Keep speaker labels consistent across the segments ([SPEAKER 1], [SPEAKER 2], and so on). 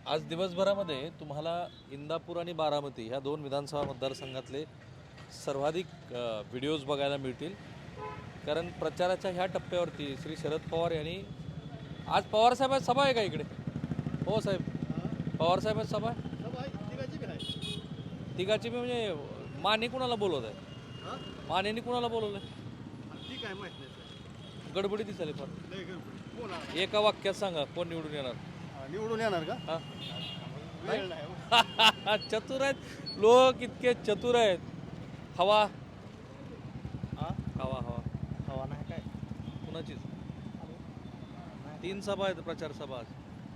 [SPEAKER 1] आज दिवसभरामध्ये तुम्हाला इंदापूर आणि बारामती ह्या दोन विधानसभा मतदारसंघातले सर्वाधिक व्हिडिओज बघायला मिळतील. कारण प्रचाराच्या ह्या टप्प्यावरती श्री शरद पवार यांनी आज पवारसाहेबांची सभा आहे का इकडे? हो साहेब, पवारसाहेबांची सभा आहे. तिघाची बी म्हणजे माने कुणाला बोलवत आहे? मानेनी कुणाला बोलवलं आहे? गडबडी दिसायली फार. एका वाक्यात सांगा कोण निवडून येणार?
[SPEAKER 2] निवडून येणार का?
[SPEAKER 1] हा चतुर आहेत लोक, इतके चतुर आहेत. हवा हवा हवा
[SPEAKER 2] हवा नाही काय
[SPEAKER 1] कुणाचीच? 3 सभा आहेत, प्रचार सभा आज.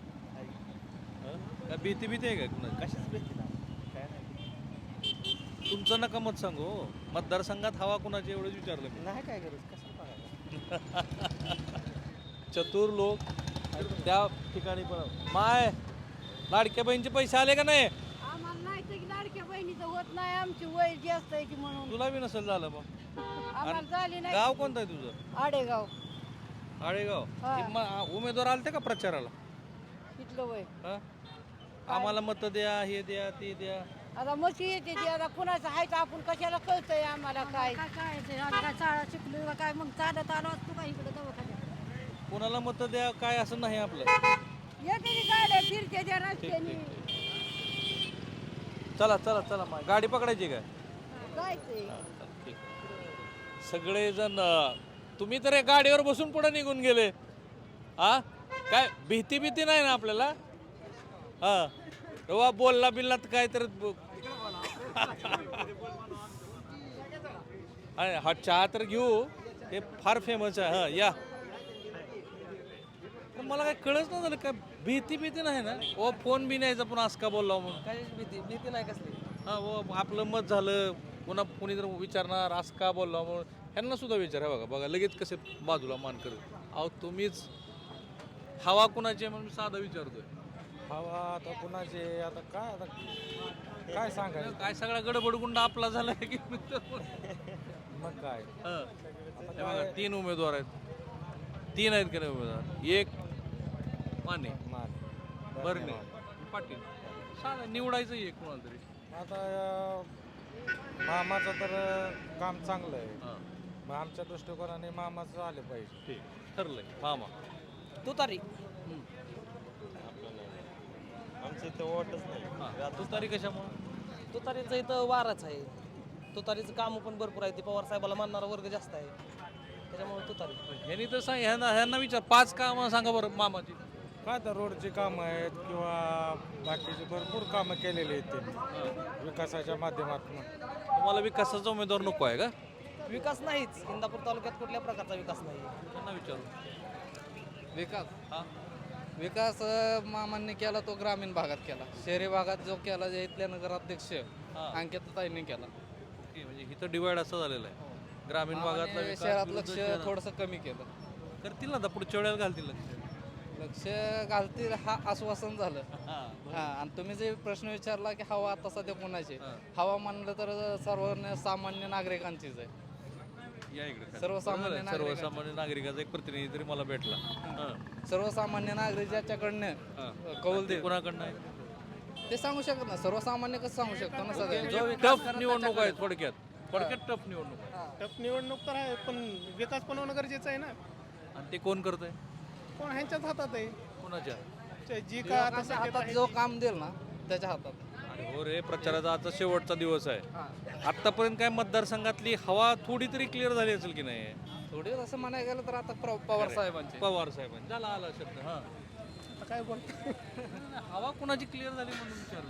[SPEAKER 1] काय भीती आहे का कुणाची?
[SPEAKER 2] कशाच भेटते ना काय नाही.
[SPEAKER 1] तुमचं नका मत सांगू हो. मतदारसंघात हवा कुणाची एवढंच विचारलं मी.
[SPEAKER 2] नाही काय गरज कशाला बघायला.
[SPEAKER 1] चतुर लोक त्या ठिकाणी पण. माय लाडक्या बहिणीचे पैसे आले का नाही?
[SPEAKER 3] आम्हाला नाही तर की लाडक्या बहिणीचं होत नाही, आमची वय जास्त आहे की म्हणून
[SPEAKER 1] तुला बी नसेल झालं मग.
[SPEAKER 3] आम्हाला झाली नाही.
[SPEAKER 1] गाव कोणतं आहे तुझं?
[SPEAKER 3] आडेगाव
[SPEAKER 1] आळेगाव.
[SPEAKER 3] हा.
[SPEAKER 1] हे उमेदवार आलते का प्रचाराला?
[SPEAKER 3] तिथलं वय.
[SPEAKER 1] हा? आम्हाला मत द्या, हे द्या, ते द्या.
[SPEAKER 3] आता मशी येते ती, आता कुणाचं आहे तर आपण कशाला कळतंय आम्हाला काय
[SPEAKER 4] काय शाळा शिकलो काय मग चालत आलो असतो का इकडे दवाखान्यात.
[SPEAKER 1] कोणाला मत द्या काय असं नाही आपलं.
[SPEAKER 3] येते ती गाड्या फिरते त्या
[SPEAKER 1] ठीक
[SPEAKER 3] रस्त्याने
[SPEAKER 1] ठीक ठीक. चला चला चला मग गाडी पकडायची काय?
[SPEAKER 3] जायचंय.
[SPEAKER 1] ठीक. सगळेजण तुम्ही तर या गाडीवर बसून पुढे निघून गेले. हा काय भीती नाही ना आपल्याला? हा रवा बोलला बिल्ला तर काय तर हा चहा तर घेऊ, हे फार फेमस आहे. हा या. पण मला काय कळच नाही झालं, काय भीती नाही ना? ओ फोन बी न्यायचा पण असं का बोलला म्हणून?
[SPEAKER 2] काय भीती नाही कसली.
[SPEAKER 1] हा ओ आपलं मत झालं, पुन्हा कोणी जर विचारणार असं का बोलला म्हणून, ह्यांना सुद्धा विचार. बघा बघा लगेच कसे बाजूला मान करत. अहो तुम्हीच हवा कुणाची आहे म्हणून साधा विचारतोय.
[SPEAKER 5] हवा आता कुणाचे आता काय सांगायचं.
[SPEAKER 1] काय सगळा गडबडगुंड आपला झाला की
[SPEAKER 5] मग काय
[SPEAKER 1] बघा 3 उमेदवार आहेत. 3 आहेत का नाही उमेदवार? एक माने,
[SPEAKER 5] मान
[SPEAKER 1] बर्ने, पाटील. साधा निवडायचं एक कोणाला तरी.
[SPEAKER 5] आता मामाचं तर काम चांगलं आहे.
[SPEAKER 1] हां
[SPEAKER 5] मग आमच्या दृष्टिकोनाने मामाचं आले पाहिजे.
[SPEAKER 1] ठीक ठरलंय. मामा
[SPEAKER 2] तू तारी
[SPEAKER 6] आमचं इथं वाटच नाही.
[SPEAKER 1] हां तू तारीख कशामुळे?
[SPEAKER 2] तुतारीचं इथं वारच आहे. तुतारीचं काम पण भरपूर आहे. ते पवार साहेबाला मानणारा वर्ग जास्त आहे, त्याच्यामुळे तुतारी.
[SPEAKER 1] ह्यांनी तर सांग, ह्यांना विचार 5 कामं सांगा बरं मामाची.
[SPEAKER 5] काय तर रोडची कामं आहेत किंवा बाकीची भरपूर कामं केलेली आहेत त्यांनी विकासाच्या माध्यमातून.
[SPEAKER 1] तुम्हाला विकासाचा उमेदवार नको आहे का?
[SPEAKER 2] विकास नाहीच. इंदापूर तालुक्यात कुठल्या प्रकारचा विकास नाही.
[SPEAKER 1] त्यांना विचारू.
[SPEAKER 7] विकास
[SPEAKER 1] हां
[SPEAKER 7] विकास मामांनी केला तो ग्रामीण भागात केला. शहरी भागात जो केला जे इथल्या नगराध्यक्ष अंकिताताईंनी केला.
[SPEAKER 1] ओके, म्हणजे इथं डिवाइड असं झालेलं आहे. ग्रामीण भागातला
[SPEAKER 7] मामाने
[SPEAKER 1] विकास
[SPEAKER 7] शहरात
[SPEAKER 1] विरुद्ध
[SPEAKER 7] लक्ष
[SPEAKER 1] शहरात.
[SPEAKER 7] थोडंसं कमी केलं.
[SPEAKER 1] करतील ना आता पुढच्या वेळेला घालतील लक्ष.
[SPEAKER 7] लक्ष घालतील हा आश्वासन झालं.
[SPEAKER 1] हां
[SPEAKER 7] हा आणि तुम्ही जे प्रश्न विचारला की हवा आता सध्या कोणाची,
[SPEAKER 1] हां.
[SPEAKER 7] हवा म्हणलं तर सर्वसामान्य नागरिकांचीच आहे.
[SPEAKER 1] या इकडे खाली.
[SPEAKER 7] सर्वसामान्य
[SPEAKER 1] बरोबर आहे.
[SPEAKER 7] नागरिक.
[SPEAKER 1] सर्वसामान्य नागरिकाचा एक प्रतिनिधी तरी मला भेटला. हां
[SPEAKER 7] सर्वसामान्य नागरिक ज्याच्याकडनं
[SPEAKER 1] हां.
[SPEAKER 7] कौल
[SPEAKER 1] ते
[SPEAKER 7] दे
[SPEAKER 1] कोणाकडनं आहे?
[SPEAKER 7] ते सांगू शकत ना. सर्वसामान्य कसं सांगू शकतो ना सगळं. जो
[SPEAKER 1] टफ
[SPEAKER 7] विकास करत
[SPEAKER 1] निवडणूक आहे
[SPEAKER 7] त्याच्याकडे.
[SPEAKER 1] थोडक्यात टफ निवडणूक आहे.
[SPEAKER 8] टफ निवडणूक तर आहे, पण विकास पण होणं गरजेचं आहे ना.
[SPEAKER 1] आणि ते कोण करतंय?
[SPEAKER 8] कोण ह्यांच्याच हातात आहे.
[SPEAKER 1] कोणाच्या?
[SPEAKER 8] जी का आता
[SPEAKER 7] लोकांच्या
[SPEAKER 8] सत्तेत
[SPEAKER 7] हातात
[SPEAKER 8] आहे
[SPEAKER 7] जो
[SPEAKER 8] ती.
[SPEAKER 7] काम देईल ना त्याच्या हातात.
[SPEAKER 1] आणि हो रे, प्रचाराचा आता शेवटचा दिवस आहे. आतापर्यंत काय मतदारसंघातली हवा थोडी तरी क्लिअर झाली असेल की नाही?
[SPEAKER 7] थोडी असं म्हणायला गेलं तर आता पवार साहेबांचे.
[SPEAKER 1] पवार साहेबांनी झाला आला शब्द. हां
[SPEAKER 8] आता काय बोल
[SPEAKER 1] हवा कुणाची क्लिअर झाली म्हणून विचारलं.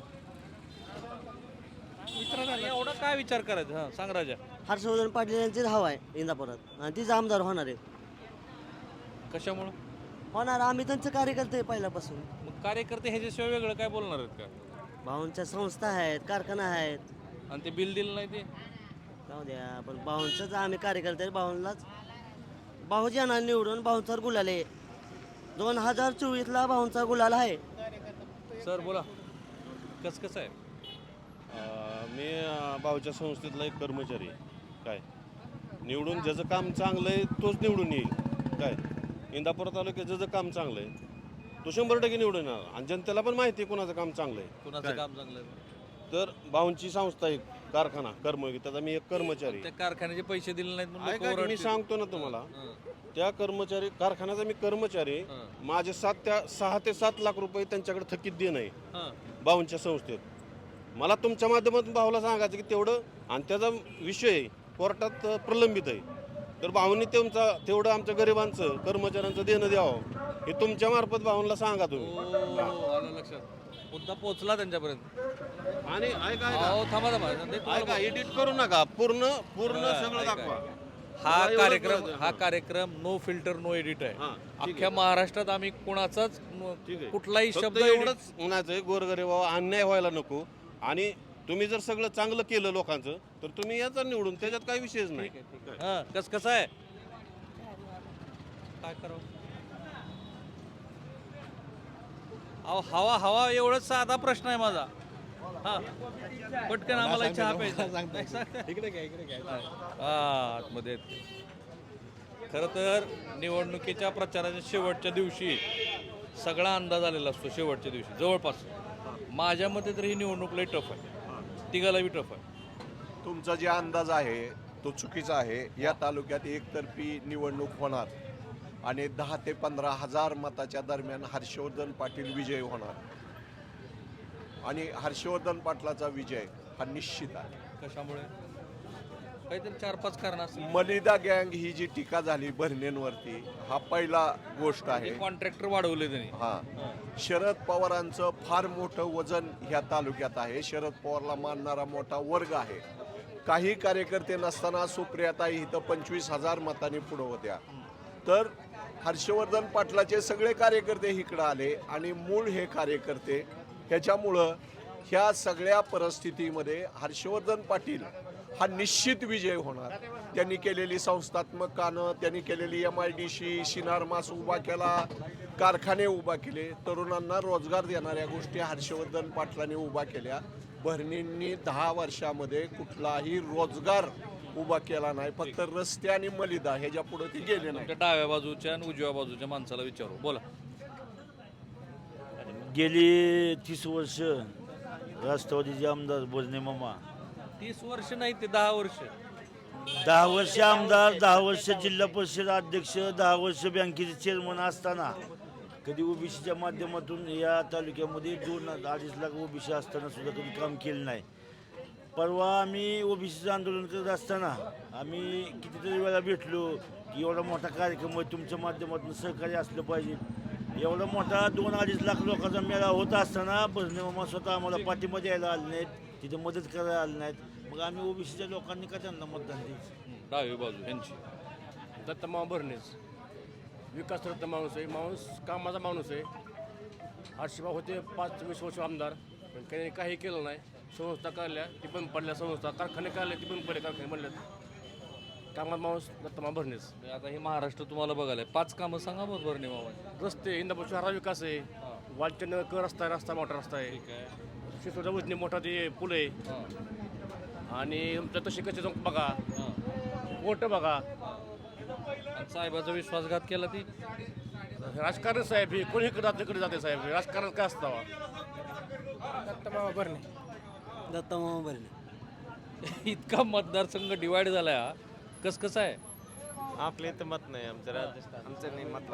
[SPEAKER 8] मित्र
[SPEAKER 1] एवढा काय विचार करायचा? हां सांग राजा.
[SPEAKER 9] हर्षवर्धन पाटील यांचीच हवा आहे इंदापुरात आणि तीच आमदार होणार आहे.
[SPEAKER 1] कशामुळं?
[SPEAKER 9] होणार, आम्ही त्यांचं कार्यकर्ते आहे पहिल्यापासून.
[SPEAKER 1] मग कार्यकर्ते ह्याच्याशिवाय वेगळं काय बोलणार आहेत का?
[SPEAKER 9] भाऊंच्या संस्था आहेत, कारखाना आहेत.
[SPEAKER 1] आणि ते बिल दिलं नाही ते?
[SPEAKER 9] जाऊ द्या, पण भाऊंचंच आम्ही कार्यकर्ते आहे. भाऊंलाच भाऊजी यांना निवडून भाऊंचा गुलाल आहे. 2024ला भाऊंचा गुलाल आहे.
[SPEAKER 1] सर बोला. कसं आहे?
[SPEAKER 6] मी भाऊच्या संस्थेतला एक कर्मचारी आहे. काय निवडून ज्याचं काम चांगलं आहे तोच निवडून येईल. काय इंदापूर तालुक्यात ज्याचं काम चांगलं आहे तो 100% निवडून येणार आणि जनतेला पण माहिती आहे कोणाचं काम चांगलं आहे.
[SPEAKER 1] कुणाचं काम चांगलं आहे?
[SPEAKER 6] तर भाऊंची संस्था एक कारखाना कर्मयोगी, त्याचा मी एक कर्मचारी
[SPEAKER 1] त्या कारखान्याचे पैसे दिले नाहीत म्हणून लोकं
[SPEAKER 6] ऐका की मी
[SPEAKER 1] ओरडतील.
[SPEAKER 6] सांगतो ना तुम्हाला,
[SPEAKER 1] हं,
[SPEAKER 6] त्या कर्मचारी कारखान्याचा मी कर्मचारी आहे.
[SPEAKER 1] हं,
[SPEAKER 6] माझे 6 ते 7 लाख रुपये त्यांच्याकडे थकीत देणं आहे
[SPEAKER 1] हं.
[SPEAKER 6] भाऊंच्या संस्थेत. मला तुमच्या माध्यमातून भाऊला सांगायचं की तेवढं, आणि त्याचा विषय कोर्टात प्रलंबित आहे, तर भाऊंनी तेवढं आमच्या गरिबांचं कर्मचाऱ्यांचं देणं द्यावं हे तुमच्या मार्फत भाऊंना सांगा तुम्ही.
[SPEAKER 1] आलं लक्षात, मुद्दा पोहोचला त्यांच्यापर्यंत.
[SPEAKER 6] आणि ऐका
[SPEAKER 1] अहो, थांबा थांबा ते तुम्हाला
[SPEAKER 6] ऐका एडिट करू नका, पूर्ण सगळं
[SPEAKER 1] ऐका.
[SPEAKER 6] दाखवा.
[SPEAKER 1] हा
[SPEAKER 6] एवढं
[SPEAKER 1] कार्यक्रम
[SPEAKER 6] कळतं.
[SPEAKER 1] हा कार्यक्रम नो फिल्टर नो एडिट आहे.
[SPEAKER 6] हां, ठीक
[SPEAKER 1] अख्ख्या
[SPEAKER 6] आहे.
[SPEAKER 1] महाराष्ट्रात आम्ही कुणाचाच
[SPEAKER 6] ठीक आहे.
[SPEAKER 1] कुठलाही
[SPEAKER 6] फक्त
[SPEAKER 1] शब्द edit-
[SPEAKER 6] एवढंच म्हणायचंय, गोरगरिबावर अन्याय व्हायला नको. आणि तुम्ही जर सगळं चांगलं केलं लोकांचं, तर तुम्ही याचा निवडून, त्याच्यात काही विषयच नाही.
[SPEAKER 1] हां, कसं आहे काय करावं? अहो, हवा हवा एवढंच साधा प्रश्न आहे माझा. हा पटकन आम्हाला चहा प्यायचा. हा, आतमध्ये आहेत ते. खरं तर निवडणुकीच्या प्रचाराच्या शेवटच्या दिवशी सगळा अंदाज आलेला असतो. शेवटच्या दिवशी जवळपास माझ्या मते तर ही निवडणूक लई टफ आहे, तिघाला बी टफ आहे.
[SPEAKER 10] तुमचा जे अंदाज आहे तो चुकीचा आहे. या तालुक्यात एकतर्फी निवडणूक होणार आणि 10 ते 15 हजार मताच्या दरम्यान हर्षवर्धन पाटील विजयी होणार. आणि हर्षवर्धन पाटलाचा विजय हा निश्चित आहे.
[SPEAKER 1] कशामुळे? काहीतरी 4-5 कारण असतील.
[SPEAKER 10] मलिदा गँग ही जी टीका झाली भरणेंवरती, हा पहिला गोष्ट आहे.
[SPEAKER 1] कॉन्ट्रॅक्टर वाढवले त्यांनी.
[SPEAKER 10] हा, शरद पवारांचं फार मोठं वजन ह्या तालुक्यात आहे. शरद पवारला मानणारा मोठा वर्ग आहे. काही कार्यकर्ते नसताना सुप्रियाताई इथं 25,000 मतांनी पुढं होत्या. तर हर्षवर्धन पाटलाचे सगळे कार्यकर्ते इकडं आले आणि मूळ हे कार्यकर्ते, ह्याच्यामुळं ह्या सगळ्या परिस्थितीमध्ये हर्षवर्धन पाटील हा निश्चित विजय होणार. त्यांनी केलेली संस्थात्मक कामं, त्यांनी केलेली MIDC, शिनार मास उभा केला, कारखाने उभा केले, तरुणांना रोजगार देणाऱ्या गोष्टी हर्षवर्धन पाटलांनी उभा केल्या. भरणींनी 10 वर्षामध्ये कुठलाही रोजगार उभा केला नाही. फक्त रस्ते आणि मलिदा ह्याच्या पुढे ते गेले नाही.
[SPEAKER 1] तुमच्या डाव्या बाजूच्या आणि उजव्या बाजूच्या माणसाला विचारू. बोला.
[SPEAKER 11] गेली 30 वर्ष राष्ट्रवादीचे आमदार भोजने मामा,
[SPEAKER 1] 30 वर्ष नाही ते 10 वर्ष.
[SPEAKER 11] 10 वर्ष आमदार, 10 वर्ष जिल्हा परिषद अध्यक्ष, 10 वर्ष बँकेचे चेअरमन असताना कधी ओबीसीच्या माध्यमातून या तालुक्यामध्ये 2-2.5 लाख ओबीसी असताना सुद्धा कधी काम केलं नाही. परवा आम्ही ओबीसीचं आंदोलन करत असताना आम्ही कितीतरी वेळा भेटलो की एवढा मोठा कार्यक्रम आहे, तुमच्या माध्यमातून सहकार्य असलं पाहिजे. एवढा मोठा 2-2.5 लाख लोकांचा मेळा होत असताना भजने मामा स्वतः आम्हाला पाठिंबा द्यायला आले नाहीत, तिथे मदत करायला आले नाहीत. मग आम्ही ओबीसीच्या लोकांनी का त्यांना मतदान द्यायचं?
[SPEAKER 1] डावी बाजू यांची.
[SPEAKER 12] दत्तमाव भरणेच विकास रत्न माणूस आहे, माणूस कामाचा माणूस आहे. हर्षभाऊ होते 5-20 वर्ष आमदार, पण काही काही केलं नाही. संस्था काढल्या ती बंद पडल्या, संस्था कारखाने काढले ती बंद पडले, कारखाने बनल्यात. कामात माणूस दत्तमाव भरणेच.
[SPEAKER 1] आता हे महाराष्ट्र तुम्हाला बघायला 5 कामं सांगा बरोबर नाही मामा.
[SPEAKER 12] रस्ते इंदापूर शहरा विकास आहे, वालचंद रस्ता आहे, रस्ता मोठा रस्ता आहे.
[SPEAKER 1] ठीक आहे.
[SPEAKER 12] शिसोडा उजनी मोठा ते पूल आहे.
[SPEAKER 1] हां,
[SPEAKER 12] आणि तुमच्या तशी कसे जाऊन बघा,
[SPEAKER 1] हां.
[SPEAKER 12] कोर्ट बघा.
[SPEAKER 1] आणि साहेबाचा विश्वासघात केला ती.
[SPEAKER 12] राजकारण साहेब हे कोणी इकडे जाते साहेब, राजकारण काय असतं?
[SPEAKER 2] दत्तमामा भरणे.
[SPEAKER 9] दत्तमामा भरणे.
[SPEAKER 1] इतका मतदारसंघ डिवाइड झाला हा. कसं आहे?
[SPEAKER 6] आपले इथं मत नाही, आमचं नाही मत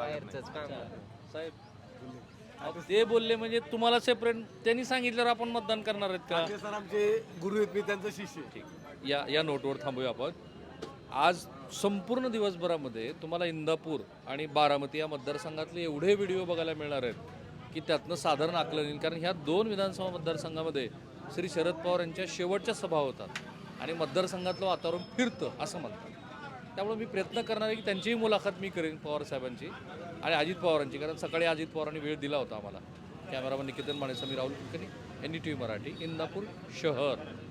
[SPEAKER 1] साहेब अहो, ते बोलले म्हणजे तुम्हाला सेपरेट त्यांनी सांगितल्यावर आपण मतदान करणार आहेत का?
[SPEAKER 5] सर आमचे गुरु आहेत, मी त्यांचा शिष्य.
[SPEAKER 1] या नोटवर थांबूया आपण. आज संपूर्ण दिवसभरामध्ये तुम्हाला इंदापूर आणि बारामती या मतदारसंघातले एवढे व्हिडिओ बघायला मिळणार आहेत की त्यातनं साधारण आकलन येईल. कारण ह्या 2 विधानसभा मतदारसंघामध्ये श्री शरद पवार यांच्या शेवटच्या सभा होतात आणि मतदारसंघातलं वातावरण फिरतं असं म्हणतात. त्यामुळे मी प्रयत्न करणार आहे की त्यांचीही मुलाखत मी करेन पवार साहेबांची आणि अजित पवारांची, कारण सकाळी अजित पवारांनी वेळ दिला होता आम्हाला. कॅमेरामन निकेतन माने, समीर राहुल कुलकर्णी, NDTV मराठी, इंदापूर शहर.